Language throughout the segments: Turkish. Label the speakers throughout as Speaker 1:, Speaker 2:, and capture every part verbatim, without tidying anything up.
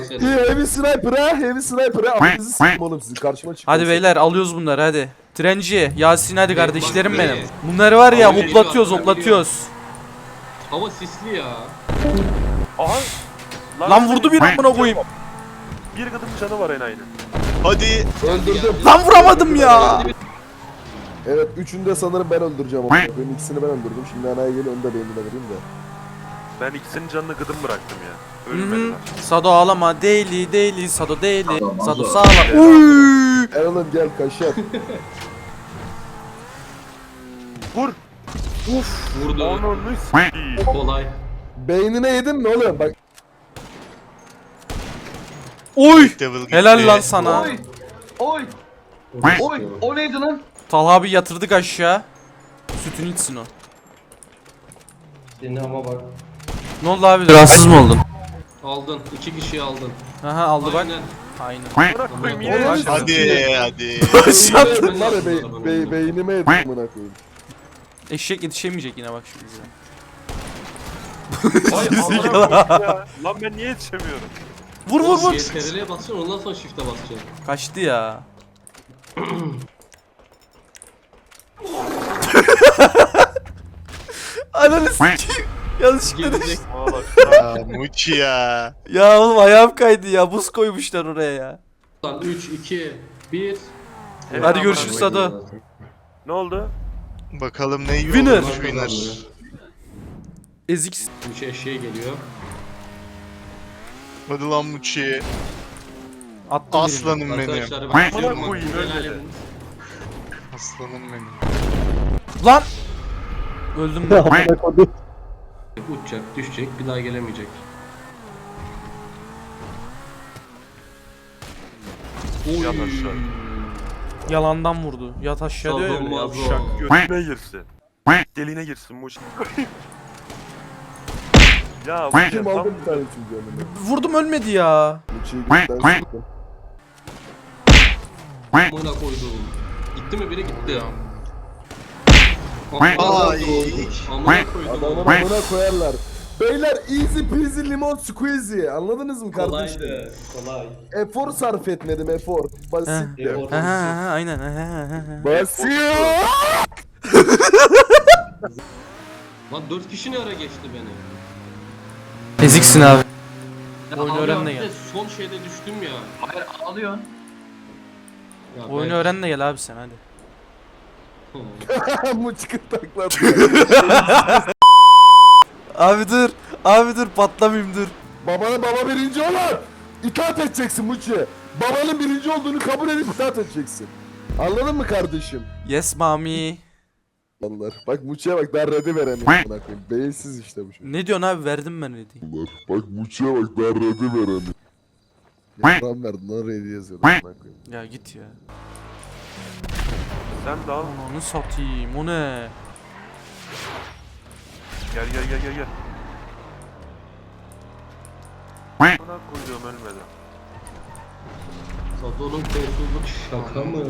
Speaker 1: seni.
Speaker 2: İyi, heavy sniper ha, heavy sniper ha. Amınızı s**tim oğlum sizin karşıma çıkın.
Speaker 3: Hadi beyler alıyoruz bunları hadi. Trenci, Yasin hadi
Speaker 1: Bey,
Speaker 3: kardeşlerim
Speaker 1: bak
Speaker 3: benim.
Speaker 1: be.
Speaker 3: Bunları var ya
Speaker 1: Abi,
Speaker 3: hoplatıyoruz
Speaker 1: geliyor,
Speaker 3: hoplatıyoruz.
Speaker 1: Hava sisli ya.
Speaker 4: Aha.
Speaker 3: Lan vurdu bir amına koyayım.
Speaker 4: Bir gıdım canı var en aynı.
Speaker 5: Hadi.
Speaker 2: Öldürdüm.
Speaker 3: Lan vuramadım ya.
Speaker 2: Evet, üçünü de sanırım ben öldüreceğim. ama. Benim ikisini ben öldürdüm. Şimdi anaya geliyor, onu da beynine vereyim de.
Speaker 4: Ben ikisinin canını gıdım bıraktım ya.
Speaker 3: Hı hı.
Speaker 4: Ölmediler.
Speaker 3: Sado ağlama deli deli Sado deli.
Speaker 1: Sado,
Speaker 3: Sado
Speaker 1: Sado.
Speaker 3: sağlam. Uy.
Speaker 2: Erol'un gel kaşar.
Speaker 4: Vur.
Speaker 1: Vurdu.
Speaker 4: Onu s**eyim.
Speaker 1: Kolay.
Speaker 2: Beynine yedin mi oğlum? Bak
Speaker 3: Oy.
Speaker 5: Devil gitti.
Speaker 3: Helal lan sana.
Speaker 6: Oy! Oy! Oy! O neydi lan?
Speaker 3: Talha abi yatırdık aşağı. Sütünü içsin o.
Speaker 1: Seni ama bak.
Speaker 3: Ne oldu abi? Rahatsız mı oldun?
Speaker 1: Aldın. İki kişiyi aldın.
Speaker 3: Aha aldı bak.
Speaker 1: Aynen.
Speaker 3: Aynen.
Speaker 4: Bırak koyayım
Speaker 2: Oğlum,
Speaker 4: yine.
Speaker 2: hadi.
Speaker 5: Hadi hadi.
Speaker 2: beynine var ya, be, be, beynime yedin amına koyayım.
Speaker 3: Eşek yetişemeyecek yine bak şimdi bize.
Speaker 4: Ay amına koyayım ya. Lan ben niye yetişemiyorum?
Speaker 3: Vur vur vur.
Speaker 1: C T R L'ye basacaksın ondan sonra shift'e basacaksın.
Speaker 3: Kaçtı ya. Ananı s**eyim. Yanlışlıkla
Speaker 1: Gelecek.
Speaker 3: düştüm.
Speaker 4: Valla.
Speaker 5: Ya Muçi ya.
Speaker 3: Ya oğlum ayağım kaydı ya. Buz koymuşlar oraya ya.
Speaker 1: Lan üç, iki, bir.
Speaker 4: Evet,
Speaker 3: Hadi
Speaker 4: amına
Speaker 3: görüşürüz
Speaker 4: koyayım.
Speaker 3: Sado.
Speaker 4: Ne oldu?
Speaker 5: Bakalım ne
Speaker 3: Winner.
Speaker 5: olmuş winner.
Speaker 3: Ezik.
Speaker 1: Bir şey eşeğe geliyor.
Speaker 5: Hadi lan Muçi.
Speaker 3: Attım birini.
Speaker 5: Aslanım benim.
Speaker 1: Arkadaşlar
Speaker 4: Amına
Speaker 1: bakıyorum.
Speaker 4: koyayım,
Speaker 1: Helal
Speaker 4: ölmedi.
Speaker 1: edin.
Speaker 5: Aslanım benim.
Speaker 3: Lan. Öldüm ben.
Speaker 1: Uçacak, düşecek, bir daha gelemeyecek.
Speaker 4: Yat aşağı.
Speaker 3: Yalandan vurdu. Yat aşağı diyor ya.
Speaker 1: Sado mazo.
Speaker 3: Yavşak.
Speaker 4: Götüne girsin. Deliğine girsin bu iş. Ya bu
Speaker 2: Kim
Speaker 4: tam-
Speaker 2: aldı bir tane çünkü önüme.
Speaker 3: Vurdum ölmedi ya.
Speaker 2: Uçuyu gökten sıktım.
Speaker 1: Amına koydum. Gitti mi biri gitti.
Speaker 5: Ay.
Speaker 1: Amına koydum.
Speaker 2: Adamın amına koyarlar. Beyler easy peasy limon squeezy. Anladınız mı kardeşim?
Speaker 1: Kolaydı. Kolay.
Speaker 2: Efor sarf etmedim, efor. Basit de.
Speaker 1: Efor.
Speaker 3: Ha ha ha aynen. Ha, ha, ha, ha.
Speaker 2: Basit.
Speaker 1: Lan dört kişi ne ara geçti beni?
Speaker 3: Eziksin abi.
Speaker 1: Ya
Speaker 3: Oyunu
Speaker 1: abi
Speaker 3: öğren de
Speaker 1: bir
Speaker 3: gel.
Speaker 1: Son şeyde düştüm ya.
Speaker 6: Hayır ağlıyorsun.
Speaker 1: Ya
Speaker 3: Oyunu
Speaker 1: ben-
Speaker 3: öğren de gel abi sen hadi.
Speaker 2: Bu çıkıp takladı.
Speaker 3: Abi dur. Abi dur patlamayayım dur.
Speaker 2: Babana baba birinci olan. İtaat edeceksin Muçi. Babanın birinci olduğunu kabul edip itaat edeceksin. Anladın mı kardeşim?
Speaker 3: Yes mami.
Speaker 2: Allah. Bak Muçi'ye bak, ben red'i veremiyorum. Buna koyayım. Beyinsiz işte bu çocuk.
Speaker 3: Ne diyorsun abi verdim ben dedi.
Speaker 2: Bak Muçi'ye bak, ben red'i veremiyorum. Yalan verdin lan, red'i yazıyordum. Buna koyayım.
Speaker 3: Ya git ya.
Speaker 4: Sen de al.
Speaker 3: Onu satayım o ne?
Speaker 4: Gel gel gel gel gel. Buna koyduğum ölmedi.
Speaker 1: Sado'nun kolsuzluk şaka mı?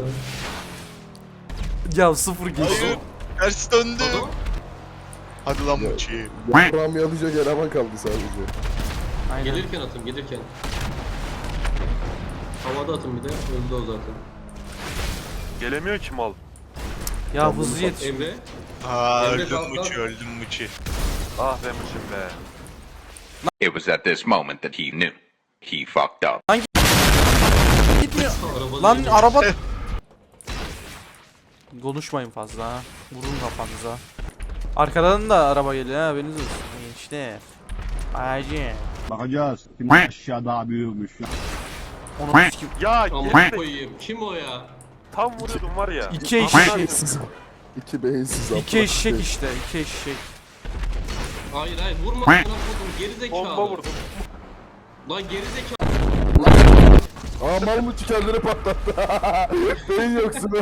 Speaker 3: Ya sıfır geç.
Speaker 5: Hayır. Ters döndü.
Speaker 1: Sado?
Speaker 5: Hadi lan Muçi.
Speaker 2: Yaprağım yalayacak eleman kaldı sadece.
Speaker 3: Aynen.
Speaker 1: Gelirken atın gelirken. Havada atın bir de öldü o zaten.
Speaker 4: Gelemiyor ki mal.
Speaker 3: Ya hızlı yetiş.
Speaker 1: Emre.
Speaker 5: Aa
Speaker 1: Emre
Speaker 5: öldüm
Speaker 1: kalk,
Speaker 5: Muçi
Speaker 1: kalk.
Speaker 5: öldüm Muçi.
Speaker 4: Ah be mışım be.
Speaker 7: It was at this moment that he knew. He fucked up.
Speaker 3: Gitmiyor.
Speaker 1: Araba
Speaker 3: Lan
Speaker 1: değil.
Speaker 3: araba. Konuşmayın fazla ha. Vurun kafanıza. Arkadan da araba geliyor ha, haberiniz olsun. İşte. Acı.
Speaker 8: Bakacağız. Kim aşağı daha büyükmüş.
Speaker 3: Onu sikim.
Speaker 4: Ya
Speaker 1: Amına
Speaker 4: geri
Speaker 1: koyayım. Kim o ya?
Speaker 4: tam vuruyordum var ya.
Speaker 3: İki
Speaker 4: Amına
Speaker 3: eşek.
Speaker 4: koyayım.
Speaker 2: İki beyinsiz.
Speaker 3: İki eşek işte. iki eşek.
Speaker 1: Hayır hayır vurma. Amına koydum geri zekalı.
Speaker 4: Bomba vurdum.
Speaker 1: Lan geri zekalı.
Speaker 2: Aa, mal Muçi kendini patlattı. Beyin yoksun.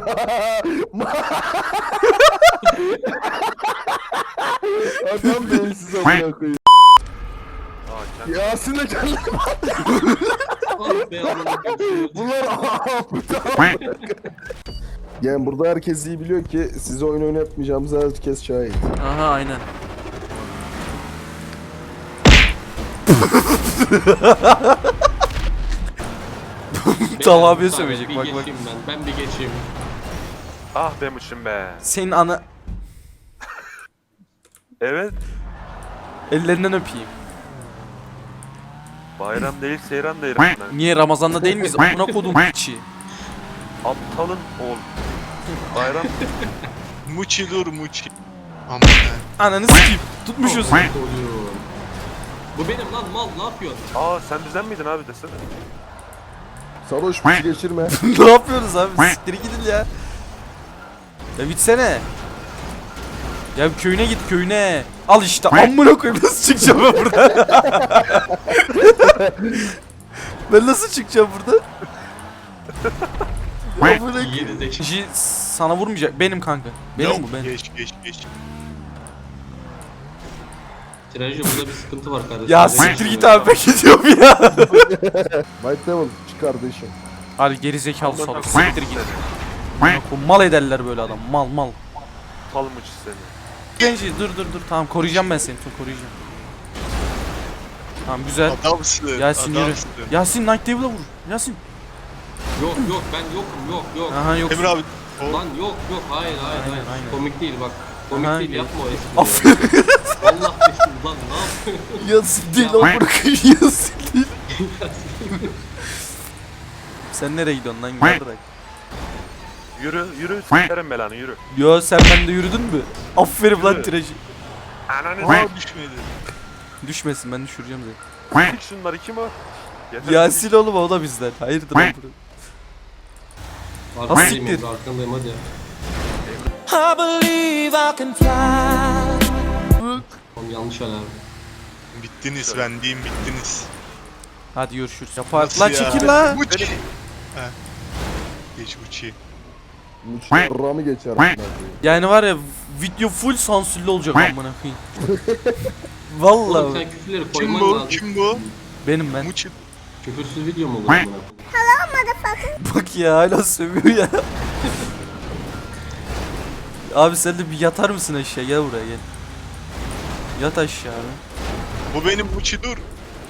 Speaker 2: Adam beyinsiz amına koyayım.
Speaker 4: Aa kendi.
Speaker 2: Yasin de kendini
Speaker 1: Ah be amına koyayım.
Speaker 2: Bunlar Yani burada herkes iyi biliyor ki size oyun oynatmayacağımıza herkes şahit.
Speaker 3: Aha aynen. Talha abiye
Speaker 1: müsaade,
Speaker 3: sövecek,
Speaker 1: bir
Speaker 3: bak, bak.
Speaker 1: geçeyim ben. Ben bir geçeyim.
Speaker 4: Ah be Muçim be.
Speaker 3: Senin ana...
Speaker 4: Evet.
Speaker 3: Ellerinden öpeyim.
Speaker 4: Bayram değil seyran değil. amına.
Speaker 3: Niye Ramazan'da değil miyiz? Amına kodum içi.
Speaker 4: Aptalın oğul. Bayram
Speaker 5: Muçi dur Muçi. Aman ha.
Speaker 3: Ananı sikeyim. Tutmuşuz.
Speaker 1: Oluyor. Bu benim lan mal, ne yapıyorsun?
Speaker 4: Aa sen bizden miydin abi desene.
Speaker 2: Sarhoş bizi geçirme.
Speaker 3: Ne yapıyoruz abi? Siktir gidin ya. Ya bitsene. Ya bir köyüne git, köyüne. Al işte, amına koyayım, nasıl çıkacağım ben buradan? Ben nasıl çıkacağım burada? Amına koyayım.
Speaker 1: Geri zekalı.
Speaker 3: Ji sana vurmayacak. Benim kanka. Benim
Speaker 5: Yok,
Speaker 3: bu benim.
Speaker 5: Geç geç geç.
Speaker 1: Tirajı, burada bir sıkıntı var kardeşim.
Speaker 3: Ya
Speaker 1: Geri
Speaker 3: siktir
Speaker 1: geçeyim
Speaker 3: git
Speaker 1: ben.
Speaker 3: abi, ben gidiyorum ya.
Speaker 2: White Devil çık kardeşim.
Speaker 3: Hadi geri zekalı salak,
Speaker 4: Amına
Speaker 3: siktir git. Amına koyayım, mal ederler böyle adam. Mal mal.
Speaker 4: Aptal Muçi seni.
Speaker 3: Genci dur dur dur, tamam koruyacağım ben seni, dur koruyacağım. Tamam güzel.
Speaker 5: Adamsın.
Speaker 3: Yasin yürü.
Speaker 5: adamsın.
Speaker 3: Yasin Night Devil'a vur. Yasin.
Speaker 1: Yok yok, ben yokum, yok yok.
Speaker 3: Aha yok.
Speaker 5: Emre abi. O,
Speaker 1: Lan yok yok, hayır hayır
Speaker 3: Aynen,
Speaker 1: hayır.
Speaker 3: aynen.
Speaker 1: Komik değil bak. Komik
Speaker 3: Aha,
Speaker 1: değil,
Speaker 3: gel.
Speaker 1: yapma o espriyi.
Speaker 3: Aferin.
Speaker 1: Allah desin lan, ne yapıyorsun?
Speaker 3: Yasin değil
Speaker 1: Ya.
Speaker 3: lan, bırakın Yasin değil. Sen nereye gidiyorsun lan, gel bırak.
Speaker 4: Yürü yürü s**erim belanı yürü.
Speaker 3: Yo sen bende yürüdün mü? Aferin lan
Speaker 4: Yürü.
Speaker 3: tirajı.
Speaker 4: Ananı
Speaker 5: Aa düşmedi.
Speaker 3: Düşmesin, ben düşüreceğim seni.
Speaker 4: s**tik şunları kim o? Yeter.
Speaker 3: Yasin oğlum, o da bizden. Hayırdır lan bunu.
Speaker 1: Arkandayım
Speaker 3: siktir.
Speaker 1: Emre, arkandayım hadi. Oğlum yanlış alarm.
Speaker 5: Bittiniz ben diyeyim bittiniz.
Speaker 3: Hadi görüşürüz. Yapar.
Speaker 5: Nasıl
Speaker 3: Lan
Speaker 5: ya?
Speaker 3: çekil lan.
Speaker 5: Muçi. Ha. Geç Muçi.
Speaker 2: Muçi Ramı geçer. amına koyayım.
Speaker 3: Yani var ya, video full sansürlü olacak amına koyayım.
Speaker 1: Oğlum
Speaker 3: Vallahi
Speaker 1: sen küfürleri
Speaker 5: Kim
Speaker 1: koyman
Speaker 5: bu?
Speaker 1: lazım.
Speaker 5: Kim bu?
Speaker 3: benim ben.
Speaker 5: Muçi.
Speaker 1: Küfürsüz video mu olur amına?
Speaker 3: Bak ya, hala sövüyor ya. Abi sen de bir yatar mısın aşağı, gel buraya gel. Yat aşağı abi.
Speaker 5: Bu benim Muçi dur.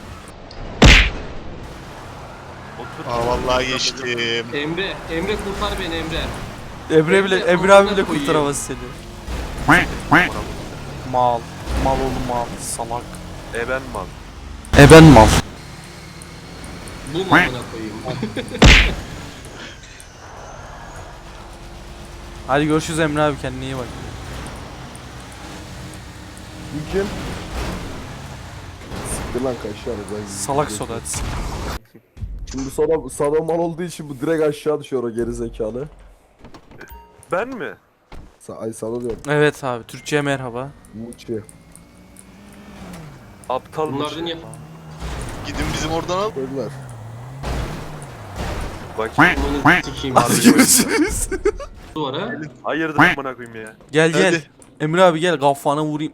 Speaker 4: Otur.
Speaker 5: Aa vallahi geçtim.
Speaker 1: Emre, Emre kurtar beni Emre.
Speaker 3: Emre bile,
Speaker 1: Emre,
Speaker 3: Emre abi
Speaker 1: amına
Speaker 3: bile
Speaker 1: koyayım.
Speaker 3: kurtaramaz seni. Mal. Mal oğlum mal. Salak.
Speaker 4: E ben mal.
Speaker 3: E ben mal.
Speaker 1: Bu mu amına koyayım?
Speaker 3: Hadi görüşürüz Emre abi, kendine iyi bak.
Speaker 2: Bu kim? Siktir lan kaşar. Ben
Speaker 3: Salak soda hadi.
Speaker 2: Şimdi sonra sana mal olduğu için bu direkt aşağı düşüyor o geri zekalı.
Speaker 4: Ben mi?
Speaker 2: Sa Ay sana diyorum.
Speaker 3: Evet abi, Türkçe'ye merhaba.
Speaker 2: Muçi.
Speaker 4: Aptal
Speaker 1: Bunlar
Speaker 4: Muçi.
Speaker 1: da niye?
Speaker 5: Gidin bizim oradan al.
Speaker 2: Öldüler.
Speaker 4: Bakayım.
Speaker 1: Bunu sikeyim
Speaker 3: Hadi
Speaker 1: abi.
Speaker 3: görüşürüz.
Speaker 1: Duvara.
Speaker 4: Hayırdır amına koyayım ya.
Speaker 3: Gel gel.
Speaker 5: Hadi.
Speaker 3: Emre abi gel, kafana vurayım.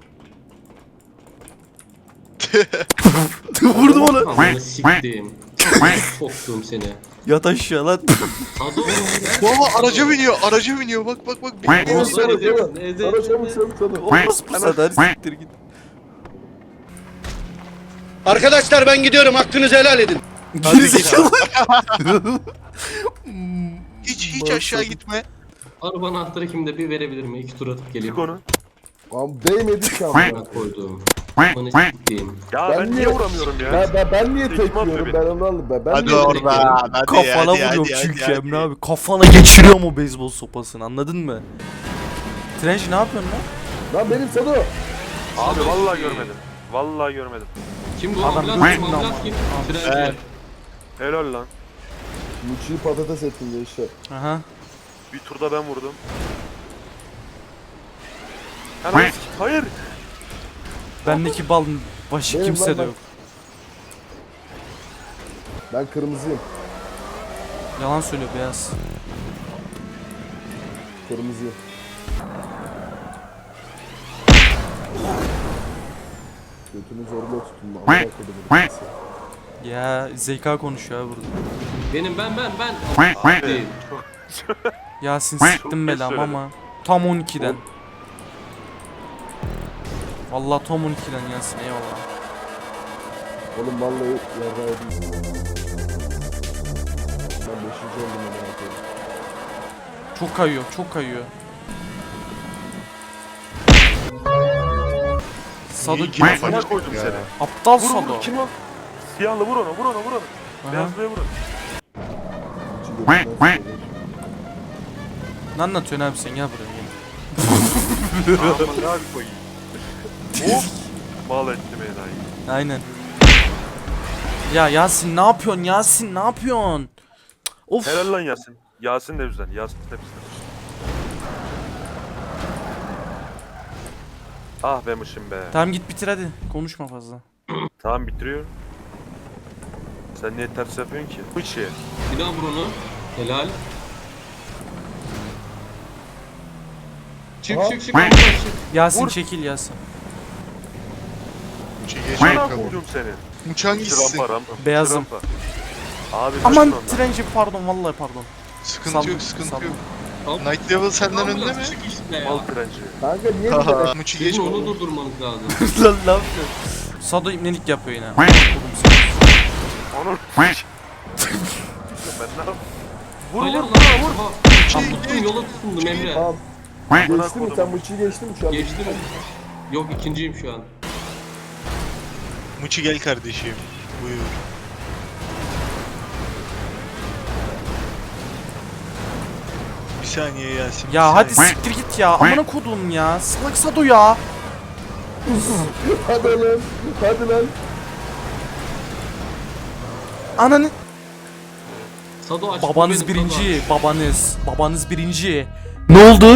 Speaker 3: Vurdum onu.
Speaker 1: Amına siktim. Soktum seni.
Speaker 3: Yat aşağı lan.
Speaker 1: Sado oğlum.
Speaker 5: Baba araca biniyor. Araca biniyor. Bak bak bak.
Speaker 2: Sana sana
Speaker 1: Ezeceğim,
Speaker 2: sana. Sana
Speaker 1: ezeceğim.
Speaker 2: çabuk çabuk çabuk.
Speaker 3: Olmaz bu sefer, siktir git.
Speaker 6: Arkadaşlar ben gidiyorum. Hakkınızı helal edin.
Speaker 3: Gerizekalı.
Speaker 5: Hiç hiç aşağı gitme.
Speaker 1: Araba anahtarı kimde, bir verebilir mi? İki tur atıp geleyim.
Speaker 4: Çık onu.
Speaker 2: Lan değmedi ki amına.
Speaker 1: Bana koydum. Bana siktim.
Speaker 4: Ya
Speaker 2: Ben
Speaker 4: ben,
Speaker 2: niye-
Speaker 4: niye vuramıyorum ya?
Speaker 2: Ben, ben, ben niye
Speaker 4: Tekme
Speaker 2: tek
Speaker 4: atıyor
Speaker 2: yiyorum
Speaker 4: beni.
Speaker 2: ben onu anladım. Ben, ben
Speaker 5: Hadi
Speaker 2: niye tek yiyorum?
Speaker 5: oradan. Hadi
Speaker 3: Kafana
Speaker 5: hadi,
Speaker 3: vuruyor
Speaker 5: hadi,
Speaker 3: çünkü
Speaker 5: hadi,
Speaker 3: Emre
Speaker 5: hadi.
Speaker 3: abi. Kafana geçiriyor mu beyzbol sopasını, anladın mı? Trenci ne yapıyorsun lan?
Speaker 2: Lan benim Sado.
Speaker 4: Abi vallahi görmedim. Vallahi görmedim.
Speaker 1: Kim bu?
Speaker 3: Adam
Speaker 1: Ambulans kim?
Speaker 3: gözünden
Speaker 1: Ambulans kim?
Speaker 3: ama.
Speaker 1: Frenci.
Speaker 4: Helal lan.
Speaker 2: Muçi'yi patates ettin gençler.
Speaker 3: Aha.
Speaker 4: Bir turda ben vurdum. Hemen hayır.
Speaker 3: Bendeki bal başı
Speaker 2: Benim
Speaker 3: kimse
Speaker 2: lan
Speaker 3: de
Speaker 2: ben.
Speaker 3: yok.
Speaker 2: Ben kırmızıyım.
Speaker 3: Yalan söylüyor beyaz.
Speaker 2: Kırmızıyım. Götünü zorla tutun. Amına koydum.
Speaker 3: Ya zeka konuşuyor abi burada.
Speaker 1: Benim ben ben ben. Değil.
Speaker 3: Yasin siktim
Speaker 4: geç
Speaker 3: belam
Speaker 4: söyledin.
Speaker 3: ama tam on ikiden. Vallahi tam on ikiden Yasin, eyvallah.
Speaker 2: Oğlum vallahi yarrağı değil.
Speaker 3: Çok kayıyor, çok kayıyor. Sado
Speaker 5: İyi ki
Speaker 3: kim?
Speaker 5: yapacak
Speaker 4: Bana koydum
Speaker 5: ya.
Speaker 4: seni.
Speaker 3: Aptal
Speaker 4: Vur
Speaker 3: Sado.
Speaker 4: vur kim o? Siyahlı vur onu vur onu vur onu.
Speaker 3: Aha.
Speaker 4: Beyazlıya vur onu.
Speaker 3: Ne anlatıyorsun abi sen, gel buraya gel.
Speaker 4: Aman ne abi koyayım. Hop. Mal etti beni dayı.
Speaker 3: Aynen. Ya Yasin ne yapıyorsun, Yasin ne yapıyorsun? Of.
Speaker 4: Helal lan Yasin. Yasin de bizden. Yasin de bizden. Ah be mışım be.
Speaker 3: Tamam git bitir hadi, konuşma fazla.
Speaker 4: Tamam bitiriyorum. Sen niye ters yapıyorsun ki? Bu içi.
Speaker 1: Bir daha vur onu. Helal. Çık
Speaker 2: Aha.
Speaker 1: çık çık. Çık.
Speaker 3: Yasin
Speaker 4: Vur.
Speaker 3: çekil Yasin.
Speaker 5: Muçi geç
Speaker 4: Bana
Speaker 5: bakalım.
Speaker 4: vurdum seni.
Speaker 5: Muçi hangisisin?
Speaker 4: Rampa rampa.
Speaker 3: Beyazım.
Speaker 4: Rampa. Abi
Speaker 3: Aman
Speaker 4: kaçın ondan.
Speaker 3: trenci, pardon vallahi pardon.
Speaker 5: Sıkıntı
Speaker 3: Saldım,
Speaker 5: yok sıkıntı
Speaker 3: saldım.
Speaker 5: yok.
Speaker 1: Al.
Speaker 5: Night Level senden önde mi?
Speaker 1: Çık işte ya.
Speaker 4: Mal trenci.
Speaker 2: Kanka niye bir
Speaker 5: Haha.
Speaker 2: de
Speaker 5: Muçi geç
Speaker 1: Sizin onu
Speaker 5: bakalım.
Speaker 1: durdurmanız lazım.
Speaker 3: Lan ne yapıyorsun? Sado ibnelik yapıyor yine. Oğlum sen.
Speaker 4: Onu. ben ne yapayım? Vur
Speaker 1: Hayır
Speaker 4: vur
Speaker 1: lan.
Speaker 4: vur vur.
Speaker 1: Tam tuttum, yola tutundum Emre.
Speaker 2: Tamam.
Speaker 4: Bana
Speaker 2: Geçti mi?
Speaker 4: kodum.
Speaker 2: Sen Muçi'yi geçtin mi şu an?
Speaker 1: Geçti mi? Yok, ikinciyim şu an.
Speaker 5: Muçi gel kardeşim. Buyur. Bir saniye Yasin. bir
Speaker 3: Ya hadi
Speaker 5: saniye.
Speaker 3: siktir git ya. Amına kodum ya. Salak Sado ya.
Speaker 2: Hadi lan. Hadi lan.
Speaker 3: Ananı.
Speaker 1: Sado aç.
Speaker 3: Babanız
Speaker 1: benim, Sado
Speaker 3: birinci.
Speaker 1: aç.
Speaker 3: Babanız. Babanız birinci. Ne oldu?